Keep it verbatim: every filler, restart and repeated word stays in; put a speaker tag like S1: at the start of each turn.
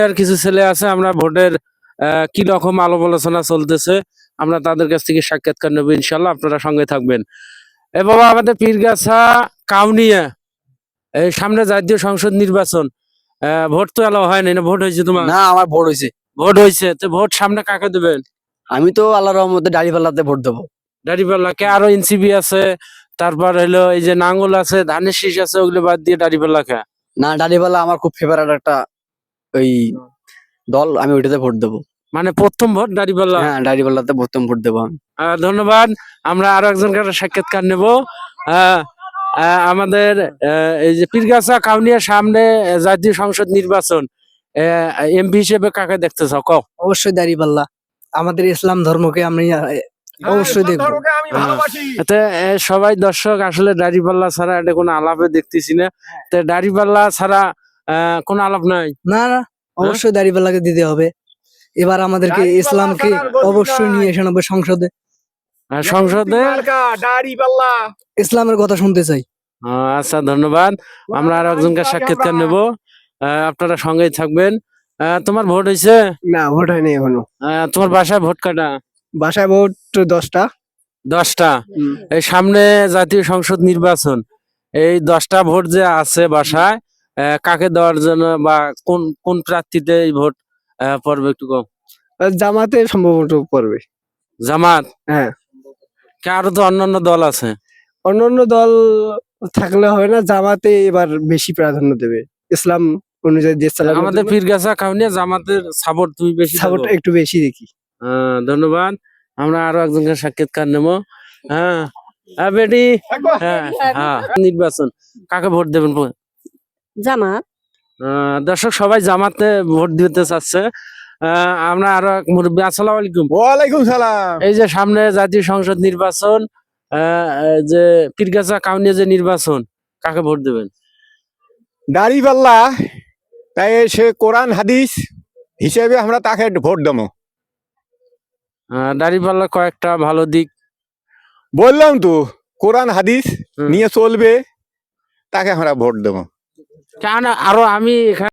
S1: আর কিছু ছেলে আছে, আমরা ভোটের আহ, কি রকম আলাপ আলোচনা চলতেছে আমরা তাদের কাছ থেকে সাক্ষাৎকার নেবো, ইনশাল্লাহ আপনারা সঙ্গে থাকবেন। এ বাবা, আমাদের পীরগাছা কাউনিয়া এই সামনে জাতীয় সংসদ নির্বাচন, আহ, ভোট তো এলাও হয়নি না? ভোট হয়েছে তোমার?
S2: না, আমার ভোট হয়েছে।
S1: ভোট হয়েছে, তো ভোট সামনে কাকে দেবেন?
S2: আমি তো আল্লাহর রহমতে দাঁড়িপাল্লাতে ভোট দেবো।
S1: দাড়িপাল্লাকে, আরো এনসিপি আছে, তারপর হলো এই যে নাঙ্গল আছে, ধানের শীষ আছে, ওগুলো বাদ দিয়ে দাড়িপাল্লাকে।
S2: না, দাঁড়িপাল্লা আমার খুব ফেভারিট একটা ওই দল, আমি ওইটাতে ভোট দেবো।
S1: মানে প্রথম ভোট দাড়িপাল্লা?
S2: হ্যাঁ, দাঁড়িপাল্লাতে প্রথম ভোট দেবো আমি।
S1: আহ, ধন্যবাদ। আমরা আরো একজনকে সাক্ষাৎকার নেব। আহ, আহ, আমাদের আহ, এই যে পীরগাছা কাউনিয়ার সামনে জাতীয় সংসদ নির্বাচন, এমপি হিসেবে কাকে দেখতে চাও কও?
S3: অবশ্যই দাঁড়িপাল্লা, আমাদের ইসলাম ধর্মকে আমি আহ, অবশ্যই দেখবো।
S1: এতে এ, সবাই দর্শক আসলে দাড়িপাল্লা ছাড়া এটা কোনো আলাপে দেখতেছি না। তো দাড়িপাল্লা ছাড়া আহ, কোনো আলাপ নাই।
S3: না না, অবশ্যই দাঁড়িপাল্লাকে দিতে হবে। এবার আমাদেরকে ইসলামকে অবশ্যই নিয়ে এসে হবে সংসদে,
S1: আর সংসদে
S3: ইসলামের কথা শুনতে চাই।
S1: আহ, আচ্ছা, ধন্যবাদ। আমরা আর একজনকে সাক্ষাৎকার নেব, আহ, আপনারা সঙ্গেই থাকবেন। আহ, তোমার ভোট হয়েছে?
S3: না, ভোট হয়নি এখনো।
S1: আহ, তোমার বাসায় ভোট কাটা?
S3: বাসায় ভোট দশটা।
S1: দশটা। এই সামনে জাতীয় সংসদ নির্বাচন, এই দশটা ভোট যে আছে বাসায়, আহ, কাকে দেওয়ার জন্য বা কোন কোন প্রার্থীতে এই ভোট আহ, পড়বে একটু কম?
S3: জামাতে সম্ভবত পড়বে।
S1: জামাত?
S3: হ্যাঁ।
S1: কে, আরো তো অন্যান্য দল আছে।
S3: অন্যান্য দল থাকলে হবে না, জামাতে এবার বেশি প্রাধান্য দেবে, ইসলাম অনুযায়ী দেশ চালানোর
S1: আমাদের
S3: জন্য
S1: পীরগাছা কাউনিয়া জামাতের সাপোর্ট তুমি বেশি দাও?
S3: সাপোর্ট একটু বেশি দেখি।
S1: আহ, ধন্যবাদ। আমরা আরো একজনকে সাক্ষাৎকার নেব। হ্যাঁ, হ্যাঁ বেটি, হ্যাঁ হ্যাঁ, নির্বাচন কাকে ভোট দেবেন?
S4: জামাত।
S1: আহ, দর্শক সবাই জামাতে ভোট দিতে চাচ্ছে। আহ, আমরা আরো এক মুরব্বী, আসসালামু আলাইকুম।
S5: ওয়ালাইকুম সালাম।
S1: এই যে সামনে জাতীয় সংসদ নির্বাচন, আহ, যে পীরগাছা কাউনিয়া যে নির্বাচন, কাকে ভোট দেবেন?
S5: দাড়িপাল্লা, তাই সে কোরআন হাদিস হিসেবে আমরা তাকে ভোট দেবো।
S1: আহ, দাঁড়িপাল্লার কয়েকটা ভালো দিক
S5: বললাম তো, কোরআন হাদিস
S1: হুম।
S5: নিয়ে চলবে, তাকে আমরা ভোট দেবো।
S1: কেন আরো আমি এখানে